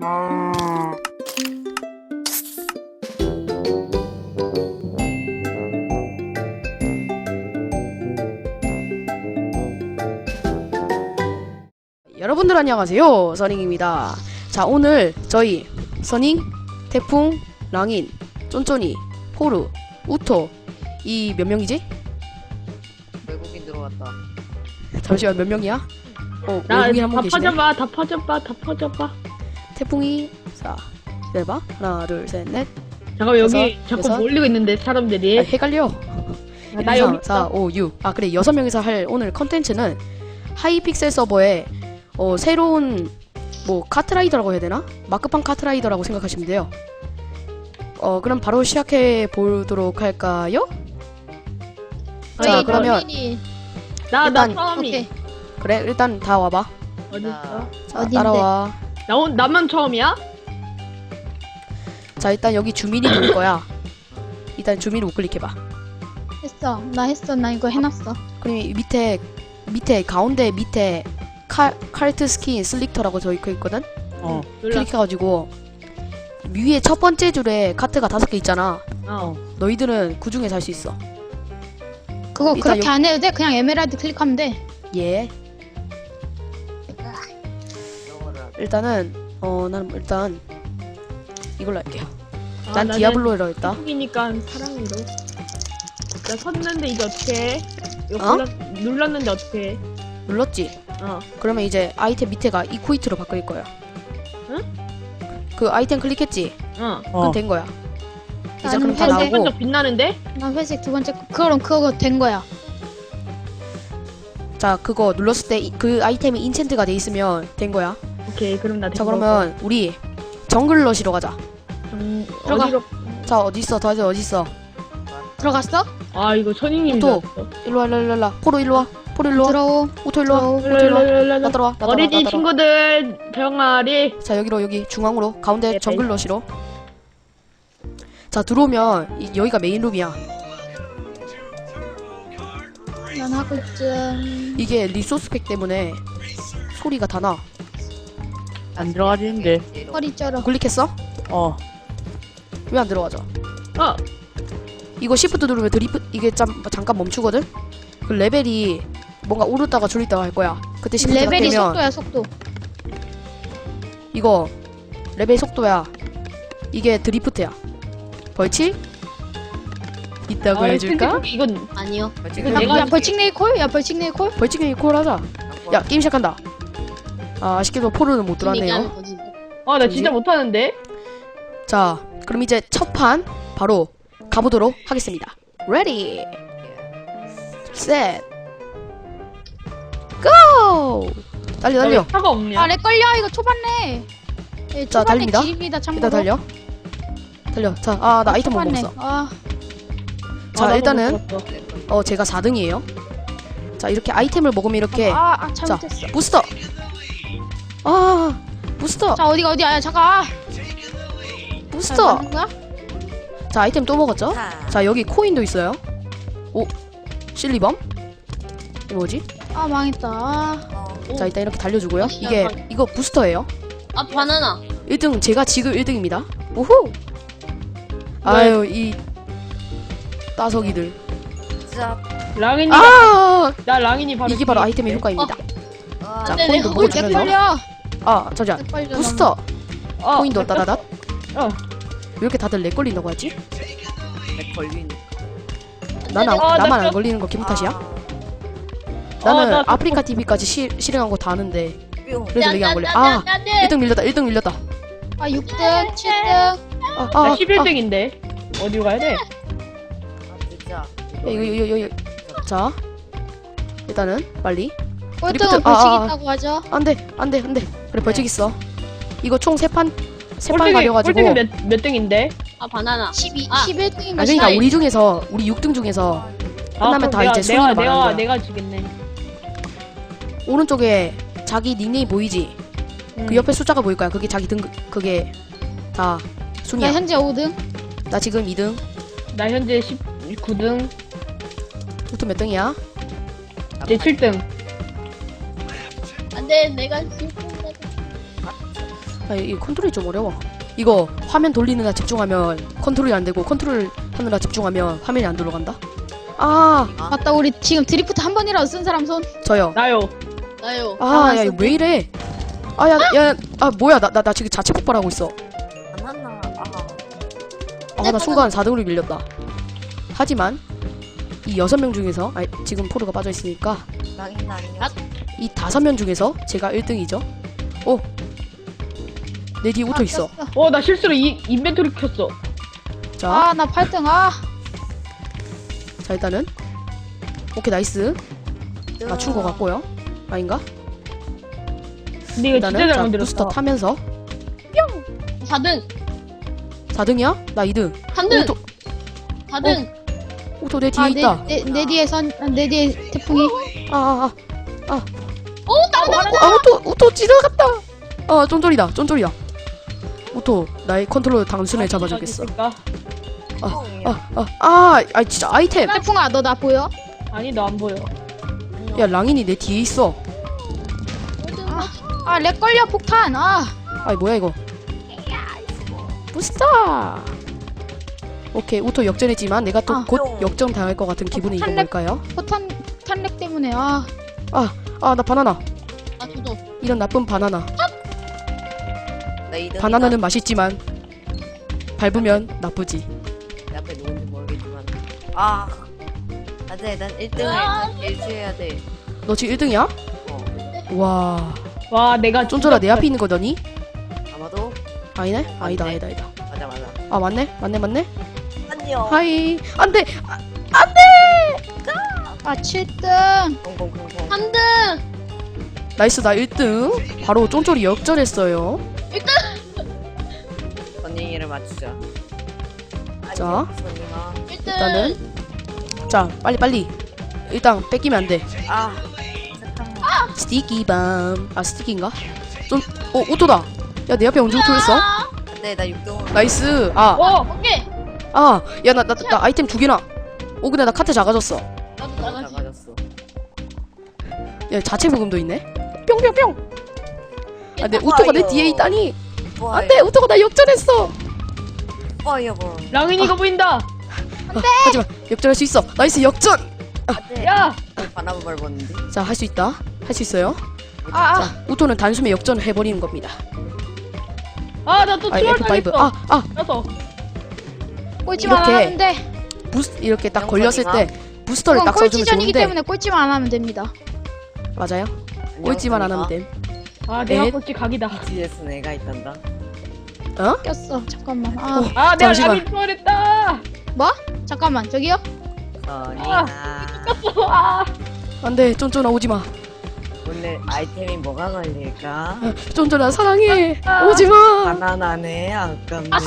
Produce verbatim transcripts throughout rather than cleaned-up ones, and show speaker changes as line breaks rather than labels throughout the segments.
여러분들 안녕하세요, 써닝입니다. 자, 오늘 저희 써닝, 태풍, 랑인, 쫀쫀이, 포르, 우토 이 몇 명이지?
외국인 들어왔다.
잠시만, 몇 명이야? 어,
나
외국인
다
한 분 계시네.
퍼져봐, 다 퍼져봐, 다 퍼져봐.
태풍이, 자, 내봐. 하나, 둘, 셋, 넷.
잠깐 여기
여섯,
자꾸
여섯.
몰리고 있는데 사람들이.
아, 헷갈려.
아, 나 여기
사,
있어.
오, 육. 아, 그래, 여섯 명이서 할 오늘 컨텐츠는 하이픽셀 서버에 어, 새로운 뭐 카트라이더라고 해야 되나? 마크판 카트라이더라고 생각하시면 돼요. 어, 그럼 바로 시작해 보도록 할까요? 자,
아니,
그러면
나, 나
일단-
처음이.
오케이.
그래, 일단 다 와봐.
어디 있어?
자,
어딘데?
따라와.
나 온, 나만 처음이야?
자, 일단 여기 주민이 누울 거야. 일단 주민을 우클릭해봐.
했어. 나 했어. 나 이거 해놨어.
그럼 이 밑에 밑에 가운데 밑에 칼 칼트 스킨 슬릭터라고 적혀 있거든.
어.
클릭해가지고 위에 첫 번째 줄에 카트가 다섯 개 있잖아.
어.
너희들은 그 중에 살 수 있어.
그거
일단
그렇게
요-
안 해도 돼. 그냥 에메랄드 클릭하면 돼.
예.
영어를 하자.
일단은 어 나는 일단 이걸로 할게요.
아,
난
나는
디아블로로 했다.
한국이니까 사랑으로. 나 섰는데 이제 어떻게? 이거
어?
눌렀, 눌렀는데 어떻게?
눌렀지?
어.
그러면 이제 아이템 밑에가 이코이트로 바뀔 거야.
응?
그 아이템 클릭했지?
어.
그럼 된 거야. 이제
나는
그럼 다
회색.
나오고.
먼저 빛나는데?
나 회색 두 번째 거. 그럼 그거 된 거야.
자, 그거 눌렀을 때 그 아이템이 인챈트가 돼 있으면 된 거야.
오케이, 그럼 나.
자, 그러면 우리 정글러시로 가자.
음,
들어가.
어디로?
자, 어디 있어? 다들 어디 있어?
들어갔어?
아, 이거 천인님.
또. 일로 와, 일로 와, 일로 와. 포로 일로 와. 포로 일로 와.
들어오.
우토 일로 와.
들어오.
우토 일로 와. 나 들어와. 나 들어와.
어린이
나 들어와.
친구들 병아리.
자, 여기로 여기 중앙으로 가운데
네,
정글러시로. 자, 들어오면 이, 여기가 메인 룸이야.
난 하고 있음.
이게 리소스 팩 때문에 소리가 다 나.
안 들어가지는데.
허리 쩔어.
클릭했어?
어.
왜 안 들어가죠?
어.
이거 시프트 누르면 드리프 이게 잠, 잠깐 멈추거든? 그 레벨이 뭔가 오르다가 줄이다가 할 거야. 그때 시프트가
레벨이
되면
속도야 속도.
이거 레벨 속도야. 이게 드리프트야. 벌칙? 있다고
아,
해줄까?
근데 이건
아니요.
이거
야,
내가
야 벌칙 네이콜? 야 벌칙 네이콜?
벌칙이 콜 하자. 야, 게임 시작한다. 아, 아쉽게도 포르는 못 들어왔네요.
아, 나 진짜
뭐지?
못하는데.
자, 그럼 이제 첫 판 바로 가보도록 하겠습니다. 레디, 셋, 고! 달려, 달려.
왜 차가 없냐?
아렉 걸려 이거 초반네. 예,
자,
초반네
달립니다.
길입니다 참고로.
일단 달려. 달려. 자, 아, 나 아이템 못
초반네.
먹었어.
아,
자,
아, 나도
일단은
못 들었어.
어, 제가 사 등이에요. 자, 이렇게 아이템을 먹으면 이렇게
아, 아 잘못했어.
부스터. 아, 부스터.
자 어디가 어디야? 야, 잠깐. 아,
부스터.
맞는 거야?
자, 아이템 또 먹었죠? 자, 여기 코인도 있어요. 오, 실리범? 이거 뭐지?
아 망했다. 아,
자, 일단 이렇게 달려주고요. 이게 이거 부스터예요.
아 바나나.
일 등 제가 지금 일 등입니다. 우후. 아유, 이 따석이들.
랑인이.
아,
나 랑인이 바로.
이게 바로
뒤에
아이템의
있대.
효과입니다.
아,
자,
네,
코인도
네,
렉
먹어주면서.
걸려.
아, 잠시만.
렉 걸려.
부스터.
어,
코인도 따다닥.
어.
왜 이렇게 다들 렉 걸린다고 하지?
렉 걸리니까.
나는
어,
나만
나
안 걸리는 거 기분 탓이야?
어,
나는
나
아프리카 티비까지 시, 실행한 거 다 아는데
뿅.
그래도 렉이 안 걸려. 아, 일 등 밀렸다. 일 등 밀렸다.
아 육 등, 칠 등.
아,
나
아,
십일
아.
등인데. 어디로 가야 돼?
아, 진짜.
야, 이거 이거 이거 이거. 자, 일단은 빨리.
꼴등은
드리프트.
벌칙
아, 아.
있다고 하죠.
안돼, 안돼, 안돼. 그래, 벌칙 있어. 이거 총 세 판, 세 판
꼴등이
가려가지고.
꼴등이 몇, 몇 등인데?
아 바나나.
십이,
아.
십일 등인가
아, 그러니까
십이.
우리 중에서 우리 육 등 중에서 끝나면
그럼
다
내가,
이제
내가
순위로
내가
말하는 거야.
내가 지겠네.
오른쪽에 자기 닉네임 보이지?
음.
그 옆에 숫자가 보일 거야. 그게 자기 등 그게 다
나
순위야.
현재 오 등.
나 지금 이 등.
나 현재 십구 등.
우토 몇 등이야?
이제 칠 등.
안돼 내가 지금.
아, 이 컨트롤이 좀 어려워. 이거 화면 돌리느라 집중하면 컨트롤이 안 되고 컨트롤 하느라 집중하면 화면이 안 돌아간다. 아,
맞다. 우리 지금 드리프트 한 번이라도 쓴 사람 손.
저요.
나요.
나요.
아, 야, 이거 왜 이래? 아, 야, 야, 아, 뭐야? 나, 나, 나 지금 자체 폭발하고 있어.
바나나. 아.
아, 나 순간 사 등으로 밀렸다. 하지만 이 여섯 명 중에서, 아, 지금 포르가 빠져 있으니까
랑인 아니야.
이 다섯 명 중에서 제가 일 등이죠. 오, 내 뒤에 오토 있어.
어, 나 실수로 이 인벤토리 켰어.
자,
아, 나 팔 등. 아.
자 일단은 오케이 나이스. 맞춘 거 같고요. 아닌가?
근데 이거 진짜
일단은
잘
자
만들었어.
부스터 타면서
사 등.
사 등이야? 나 이 등.
삼 등.
오토,
사 등.
오토 내 뒤에
아,
있다.
내, 내, 내 뒤에 선, 내 뒤에 태풍이.
아, 아, 아.
오, 나도
아, 오토, 오토 지나갔다. 아, 쫀쫄이다, 쫀쫄이다. 오토, 나의 컨트롤 당신을 잡아주겠어.
있을까?
아, 아, 아, 아, 진짜 아이템.
태풍아, 너 나 보여?
아니, 너 안 보여.
야, 랑인이 내 뒤에 있어.
아, 렉 걸려 폭탄. 아.
아이, 뭐야 이거? 부스터. 오케이, 오토 역전했지만 내가 또
아.
곧 역전 당할 것 같은 기분이 이건
탄력-
뭘까요?
폭탄 폭탄 렉 때문에. 아.
아, 나 바나나.
아, 저도.
이런 나쁜 바나나.
나 이 등.
바나나는 맛있지만 밟으면 나쁘지.
내 앞에 누군지 모르겠지만. 아. 안돼, 난 일 등을 일주해야 돼.
너 지금 일 등이야?
어.
와,
와, 내가
쫀쫄아 내 앞에 있는 거더니?
아마도.
아니네? 아니다, 아니다, 아니다.
맞아, 맞아.
아, 맞네? 맞네, 맞네?
안녕.
하이. 안 돼!
아, 칠 등.
콩콩콩콩.
삼 등.
나이스, 나 일 등. 바로 쫀쫄이 역전했어요.
선닝이를 맞추자.
자.
선닝아.
일 등.
일단은 자, 빨리 빨리. 일단 뺏기면 안 돼.
아. 잠깐만.
스티키 밤. 아, 스티키인가? 좀 어, 오토다. 야, 내 앞에 언제 오토였어?
안돼, 나 육 등.
나이스. 아,
어,
오케이.
아. 야, 나 나 나 아이템 두 개나. 오, 근데 나 카트 작아졌어.
나도 나가지.
나가졌어.
야, 자체 부금도 있네. 뿅뿅뿅. 아, 내 오토가 내 뒤에 있다니. 안 돼. 오토가 나 역전했어.
파이어볼.
랑인이가 보인다.
아, 하지만 역전할 수 있어. 나이스 역전.
안돼.
야,
바나나 밟았는데.
자, 할 수 있다. 할 수 있어요.
아, 아.
자, 오토는 단숨에 역전을 해버리는 겁니다.
아, 나 또
아,
트롤
에프 오.
당했어.
아, 아,
그래서
꼴찌만 안
이렇게
하면 돼.
부스 이렇게 딱
영선이가?
걸렸을 때 부스터를
그건
딱 써주면
꼴찌전이기
좋은데.
때문에 꼴찌만 안 하면 됩니다.
맞아요. 꼴찌만 안 하면 됨.
아, 내가
넷.
꼴찌 각이다.
비지에스 내가 있단다.
어?
꼈어. 잠깐만. 아,
어.
아, 내가
잠시만.
랑인 트롤했다.
잠깐만. 저기요?
선닝아.
아,
안돼, 쫀쫀아 오지 마.
오늘 아이템이 뭐가 걸릴까?
쫀쫀아 사랑해.
아.
오지 마.
바나나네. 아깝네. 아싸!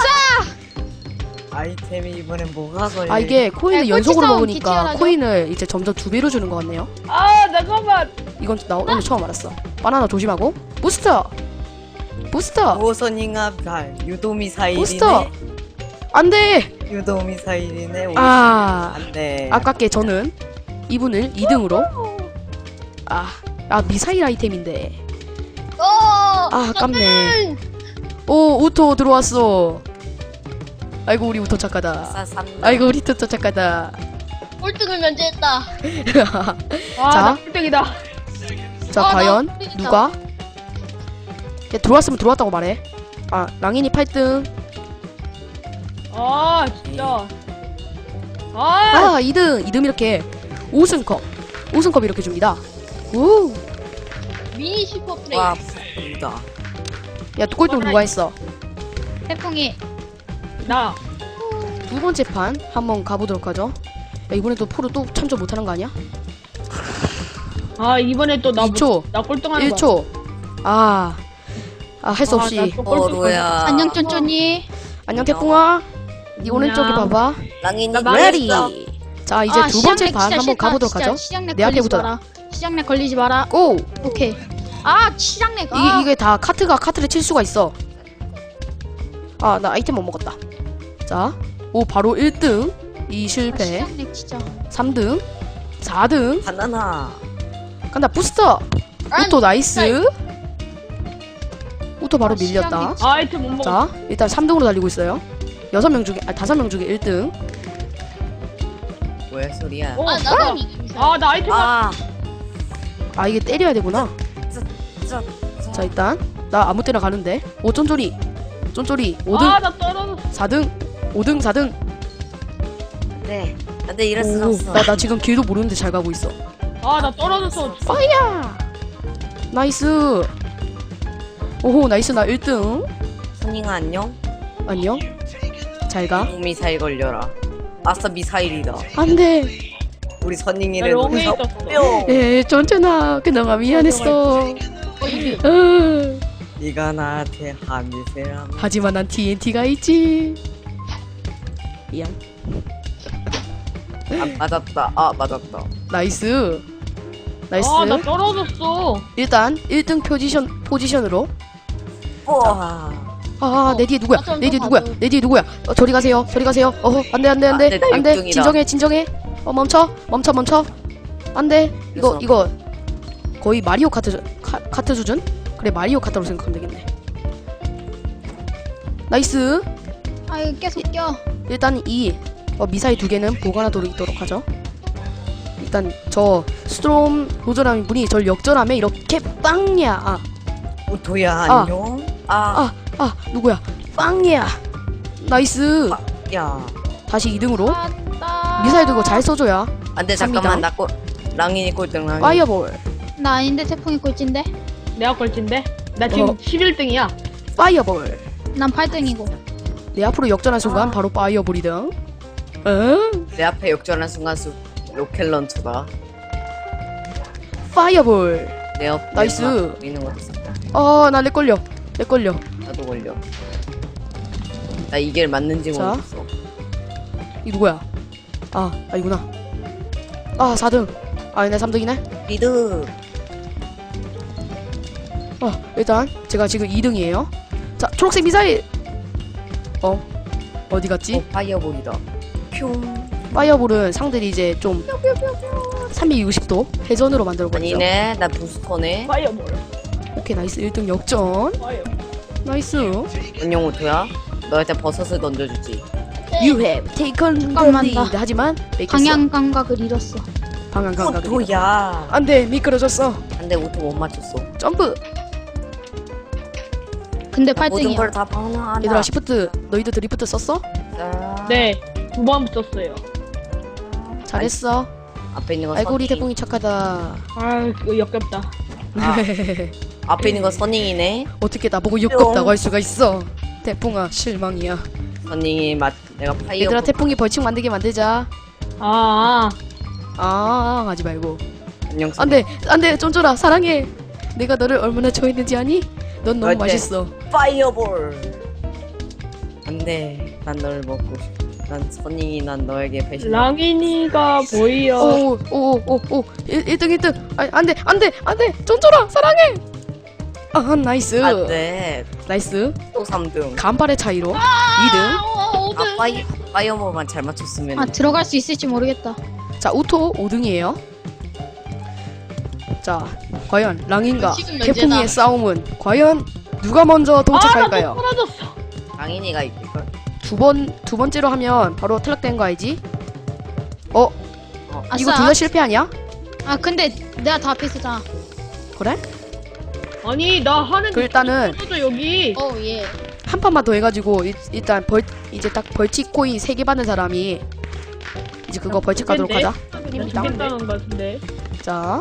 아이템이 이번엔 뭐가 걸릴까?
아, 이게 코인을
야,
연속으로
꼴찌 싸움
먹으니까
기치열하죠?
코인을 이제 점점 두 배로 주는 것 같네요.
아, 잠깐만.
이건 나 오늘 처음 알았어. 바나나 조심하고. 부스터. 부스터.
오선잉아 발 유도미사일이네.
부스터. 안돼.
유도미사일이네.
아,
안돼.
아깝게 저는 이분을 이 등으로. 아, 아 미사일 아이템인데.
어!
아, 아깝네. 오, 우토 들어왔어. 아이고 우리 우토 착하다.
싸삼.
아이고 우리 우토 착하다.
꼴등을 면제했다.
아,
자.
나 꼴등이다.
자,
아, 나
과연
꼴등이다.
누가? 야, 들어왔으면 들어왔다고 말해. 아, 랑인이 팔 등.
아, 진짜. 아,
아, 이 등. 이 등 이렇게 우승컵. 우승컵 이렇게 줍니다. 우.
미니 슈퍼 플레이.
와 부다.
야, 꼴등 누가 했어?
태풍이.
나.
두 번째 판 한번 가보도록 하죠. 야, 이번에 또 프로 또 참조 못하는 거 아니야?
아, 이번에 또 나
이 초,
나 꼴등하는
일
거야.
초. 아, 아, 할 수
아,
없이.
나또 꼴등.
어로야.
안녕 쫀쫀이.
안녕 태풍아. 네 오른쪽에
안녕.
봐봐.
랑인이
나
레디.
망했어.
자, 이제
아,
두 번째
시작렉
판
진짜
한번
싫다.
가보도록
진짜
하죠.
시작렉
내 앞에
걸리지
붙어라.
마라. 시작렉 걸리지 마라.
고!
오케이. 아, 시작렉. 아.
이게, 이게 다 카트가 카트를 칠 수가 있어. 아, 나 아이템 못 먹었다. 자, 오, 바로 일 등. 이
아,
실패.
시작렉 진짜.
삼 등. 사 등.
바나나.
간다, 부스터.
아,
오토 나이스. 우토 바로
아,
밀렸다.
시장님.
아이템 못 먹어.
자, 일단 삼 등으로 달리고 있어요. 여섯 명 중에, 아, 다섯 명 중에 일 등.
뭐야 소리야?
어,
아 나도 이기.
아, 나 아이템
아,
아, 이게 때려야 되구나.
저,
자, 일단 나 아무 때나 가는데. 오, 쫀쫀이. 쫀쫀이 오 등,
아, 나 떨어졌어.
사 등, 오 등, 사 등.
네. 안돼 이럴 순
오,
없어.
나, 나 지금 길도 모르는데 잘 가고 있어.
아, 나 떨어졌어.
나이스. 오호, 나이스. 나 일 등.
선잉아 안녕.
안녕. 잘 가.
미사일 걸려라. 아싸 미사일이다.
안 돼.
우리
나
선잉이를
롱에
여기서
있었어.
뿅.
예, 쫀쫀아. 그나마 미안했어. 으,
네가 나한테 한미세라.
하지만 난 티엔티가 있지. 미안.
아 맞았다. 아 맞았다.
나이스. 나이스.
아, 나 떨어졌어.
일단 일 등 포지션 포지션으로.
우와.
아, 내 뒤에 누구야?
아, 좀
내 뒤에
더
누구야?
가줘.
내 뒤에 누구야? 어, 저리 가세요. 저리 가세요. 어허, 안돼 안돼 안돼
아, 네, 나
안돼.
육 등이다.
진정해 진정해. 어, 멈춰 멈춰 멈춰. 안돼. 이거
그래서-
이거 거의 마리오 카트 수- 카, 카트 수준? 그래, 마리오 카트로 생각하면 되겠네. 나이스.
아 이거 계속 껴.
일단 이 어, 미사일 두 개는 보관하도록 있도록 하죠. 일단 저 스트롬 도전하는 분이 절 역전함에 이렇게 빵야. 아,
오토야
아.
안녕. 아,
아 누구야? 빵야. 나이스.
야.
다시 이 등으로.
맞다.
미사일도 이거 잘 써줘야.
안돼
삽니다.
잠깐만 나 꼴. 랑인이 꼴등 랑인.
파이어볼.
나 아닌데 태풍이 꼴찌인데.
내가 꼴찌인데? 나 지금
어.
십일 등이야.
파이어볼.
난 팔 등이고.
내 앞으로 역전한 순간
아.
바로 파이어볼이등. 응?
내 앞에 역전한 순간 수 로켓 런처다.
파이어볼.
내 옆.
나이스.
있는 것도 있어.
어, 나 렉 걸려. 렉 걸려.
나도 걸려. 나 이게 맞는지
자.
모르겠어.
이 누구야? 아, 아니구나. 아, 사 등. 아, 내 삼 등이네.
리드.
어, 일단 제가 지금 이 등이에요. 자, 초록색 미사일. 어, 어디 갔지?
어 파이어볼이다. 퓨.
파이어볼은 상들이 이제 좀 삼백육십 도 회전으로 만들어버리죠.
아니네. 나 부스터네.
파이어볼.
오케이, 나이스. 일 등 역전.
파이어.
나이스.
안녕 오토야. 너한테 버섯을 던져주지.
You have taken the
잠깐만,
lead.
나
하지만 뺏겼어.
방향 감각을 잃었어.
방향 감각을.
오토야.
안돼, 미끄러졌어.
안돼 오토 못 맞췄어.
점프.
근데 팔
모든
등이야.
걸 다 방어하나.
얘들아, 시프트. 너희들 드리프트 썼어?
자,
네, 두 번 붙었어요.
잘했어.
앞에 있는 거
아이고, 우리
선잉.
태풍이 착하다.
아, 이거 역겹다.
아. 앞에 있는 거 선잉이네.
어떻게 나보고 역겹다고 할 수가 있어. 태풍아, 실망이야.
선잉이 맞. 내가 파이어.
얘들아, 태풍이 벌칙 만들게 만들자.
아,
아, 하지 말고.
안녕.
안돼, 안돼, 쫀쫀아, 사랑해. 내가 너를 얼마나 좋아했는지 아니? 넌 너무
어때?
맛있어.
파이어볼. 안돼. 난 널 먹고 싶어. 난 선잉이 난 너에게 배신.
랑인이가 보이어.
오, 오, 오, 오, 일 등, 일 등. 아, 안돼, 안돼, 안돼, 쫀쫀아, 사랑해. 아, 나이스.
안돼.
나이스.
또 삼 등.
간발의 차이로 이 등.
아 파이 파이어볼만 잘 맞췄으면.
아 들어갈 수 있을지 모르겠다.
자, 우토 오 등이에요. 자, 과연 랑인과
지금
태풍이의
면제다.
싸움은 과연 누가 먼저
아, 나또
도착할까요?
떨어졌어.
랑인이가 이걸.
두 번, 두 번째로 하면 바로 탈락된 거 알지? 어?
아싸.
이거 둘 다 실패 아니야?
아 근데 내가 다 앞에 있었잖아.
그래?
아니, 나 하는
그 일단은
떨어져 여기.
어 예.
한 판만 더 해가지고 일, 일단 벌 이제 딱 벌칙 코인 세 개 받는 사람이 이제 그거 벌칙 가도록
근데?
하자.
나 죽겠다는 거 같은데.
자,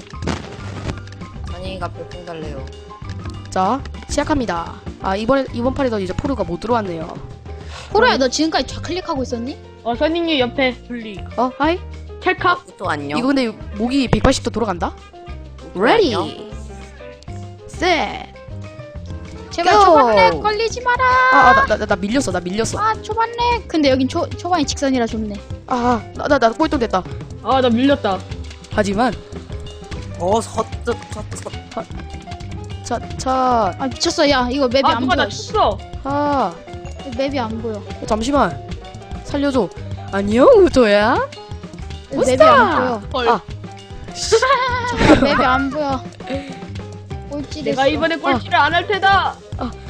선잉이가 별풍 달래요.
자 시작합니다. 아, 이번에 이번 판에도 이제 포르가 못 들어왔네요.
호로야 너 지금까지 좌클릭하고 있었니?
어, 선생님 옆에 분리.
어, 하이.
찰칵.
오토 안녕.
이거 근데 목이 백팔십 도 돌아간다.
오토
Ready,
안녕.
set.
제발
Go.
초반에 걸리지 마라.
아, 나, 나, 나, 나 밀렸어, 나 밀렸어.
아 초반에. 근데 여긴 초 초반이 직선이라 좋네.
아, 나, 나, 나 꼴등 됐다.
아, 나 밀렸다.
하지만
어 섰트 섰트.
차, 차,
아 미쳤어. 야 이거 맵이
아,
안
누가
보여.
나 쳤어.
아,
맵이 안 보여.
잠시만, 살려줘. 안녕, 우토야.
맵이 안
헐.
아,
보여. 맵이 안 보여. 꼴찌 됐어.
내가 이번에 꼴찌를 안 할 테다.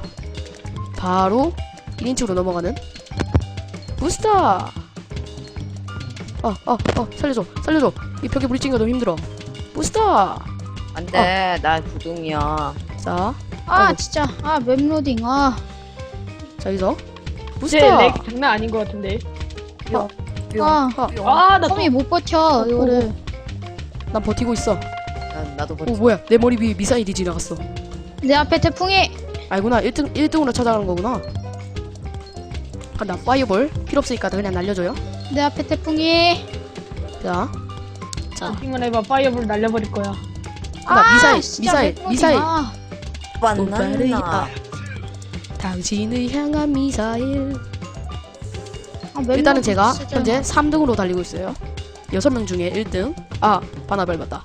바로 일 인칭으로 넘어가는 부스터. 어어어 어, 어, 살려줘 살려줘. 이 벽에 부딪힌 거 너무 힘들어. 부스터.
안돼 나 구둥이야.
자,
아
아이고.
진짜 아 맵로딩 아
자 여기서
쟤
부스터.
렉 장난 아닌 것 같은데.
아,
아, 나 또.
컴이 못 버텨 이거를.
난 버티고 있어.
난 나도
오
버티.
뭐야, 내 머리 위에 미사일이 지나갔어.
내 앞에 태풍이.
알구나. 일 등 일 등으로 찾아가는 거구나. 간다. 파이어볼 필요 없으니까 그냥 날려줘요.
내 앞에 태풍이.
자, 자,
팅만 해봐. 파이어볼 날려버릴 거야.
간다. 미사일,
진짜
미사일,
맵로딩.
미사일.
아,
만났나?
아, 당신을 향한 미사일.
아, 맵로딩
일단은 제가
진짜.
현재 삼 등으로 달리고 있어요. 여섯 명 중에 일 등. 아, 바나 밟았다.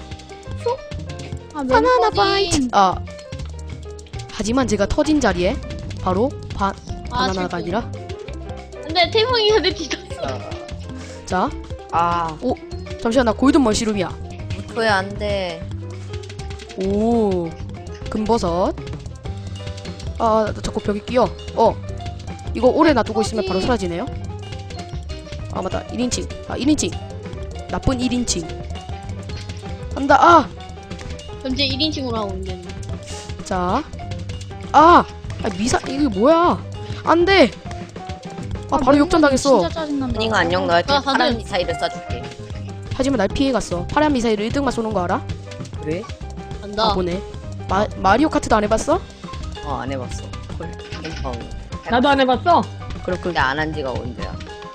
아,
바나나
맵로딩.
바이트. 아, 하지만 제가 터진 자리에 바로 바,
아,
바나나가
태풍.
아니라
근데 태풍이가 내 뒤졌어.
자,
아
잠시만 나 골든 머시룸이야.
무토야 안돼.
오, 금버섯. 아, 나 자꾸 벽에 끼어. 어, 이거 오래 놔두고 있으면 바로 사라지네요. 아 맞다, 일 인칭. 아, 일 인칭. 나쁜 일 인칭. 간다. 아,
현재 일 인칭으로 하고 있는.
자, 아, 아 미사 이게 뭐야? 안 돼. 아, 바로
맵로딩
역전당했어.
진짜 짜증난다.
선이가 안녕 너한테
아, 다들-
파란 미사일을 쏴줄게.
하지만 날 피해갔어. 파란 미사일을 일 등만 쏘는 거 알아?
그래?
간다.
아, 보네. 마 마리오 카트도 안 해봤어?
어 안 해봤어. 헐. 캠퍼.
나도 안 해봤어.
그렇군.
근데 안 한 지가 언제야?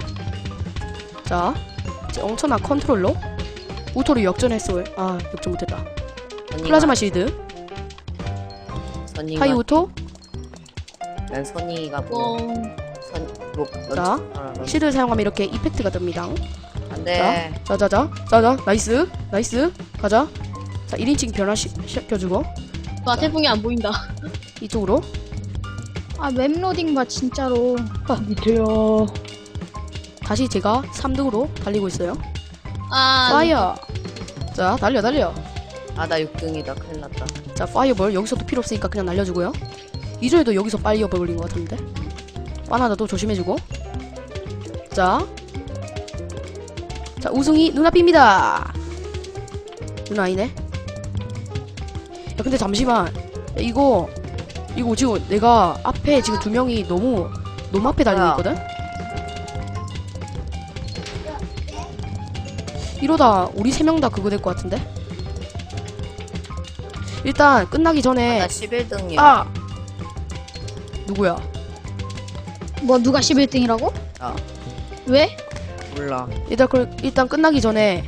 자, 이제 엄청난 컨트롤러 우토를 역전했어. 아, 역전 못했다.
선이가-
플라즈마 실드,
선이가
하이 우토.
난 선이가 뭐
뻥.
선. 뭐
자, 실드를 사용하면 이렇게 이펙트가 됩니다.
안돼.
자자자, 자자, 나이스, 나이스, 가자. 자, 일 인칭 변화시켜주고
와, 태풍이 안 보인다.
이쪽으로.
아 맵로딩 봐 진짜로.
밑에요.
다시 제가 삼 등으로 달리고 있어요.
아,
파이어. 자, 달려, 달려.
아나 육 등이다. 큰일 났다.
자, 파이어볼 여기서도 필요 없으니까 그냥 날려주고요. 이전에도 여기서 파이어볼 올린 것 같은데. 바나나도 조심해주고. 자, 자 우승이 눈앞입니다. 누나 아니네. 야, 근데 잠시만. 야, 이거 이거 지금 내가 앞에 지금 두 명이 너무 너무 앞에 달리고
뭐야?
있거든. 이러다 우리 세 명 다 그거 될 것 같은데. 일단 끝나기 전에
나 십일 등이야.
아 누구야?
뭐 누가 십일 등이라고?
아.
왜?
몰라.
일단 그 일단 끝나기 전에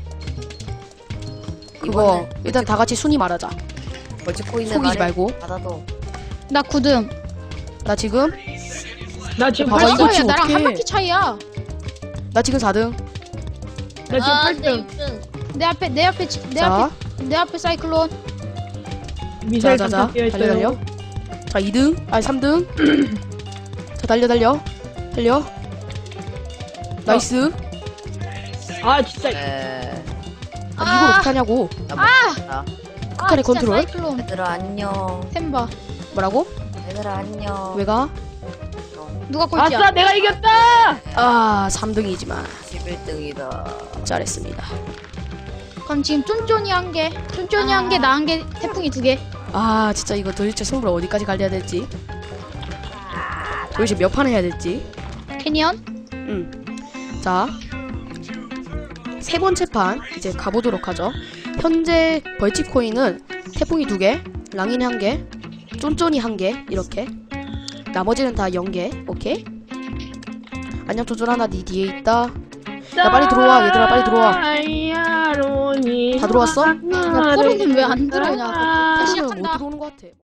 그거
이번엔
일단 다 같이 순위 말하자.
벌칙 코인을
속이지
말해.
말고.
받아도.
나 구 등.
나 지금
나 지금
봐봐,
팔
이거
등.
벌써야
지금
나랑
어떡해.
한 바퀴 차이야.
나 지금 사 등.
나 지금
아,
팔
내
등.
육 등.
내 앞에 내 앞에 지- 내
자,
앞에 내 앞에 사이클론.
미사일
자, 자,
장착 되어
자, 달려,
있어요.
자, 이 등. 아니, 삼 등. 자, 달려, 달려. 달려. 나이스.
아 진짜.
에.
아, 이걸 어떻게 하냐고.
나 못했다.
아
북한의
진짜
컨트롤.
사이클론.
얘들아 안녕.
템바.
뭐라고?
얘들아 안녕.
왜 가?
누가 꼴찌야?
아싸 내가 이겼다.
아, 삼 등이지만
십일 등이다.
잘했습니다.
그럼 지금 쫀쫀이 한 개, 쫀쫀이 한 개, 나 한 개, 태풍이 두 개.
아, 진짜 이거 도대체 승부를 어디까지 갈려야 될지. 도대체 몇 판 해야 될지.
캐니언?
음. 자, 세 번째 판 이제 가보도록 하죠. 현재 벌칙 코인은 태풍이 두 개, 랑인 한 개, 쫀쫀이 한 개 이렇게. 나머지는 다 영 개. 오케이. 안녕 쫀쫀아, 나 네 뒤에 있다. 야, 빨리 들어와, 얘들아, 빨리 들어와.
다이아로 쫀쫀이
다 들어왔어?
야, 포로는 왜 안 들어오냐? 아까
아,
시작한다.
못 들어오는 것 같아.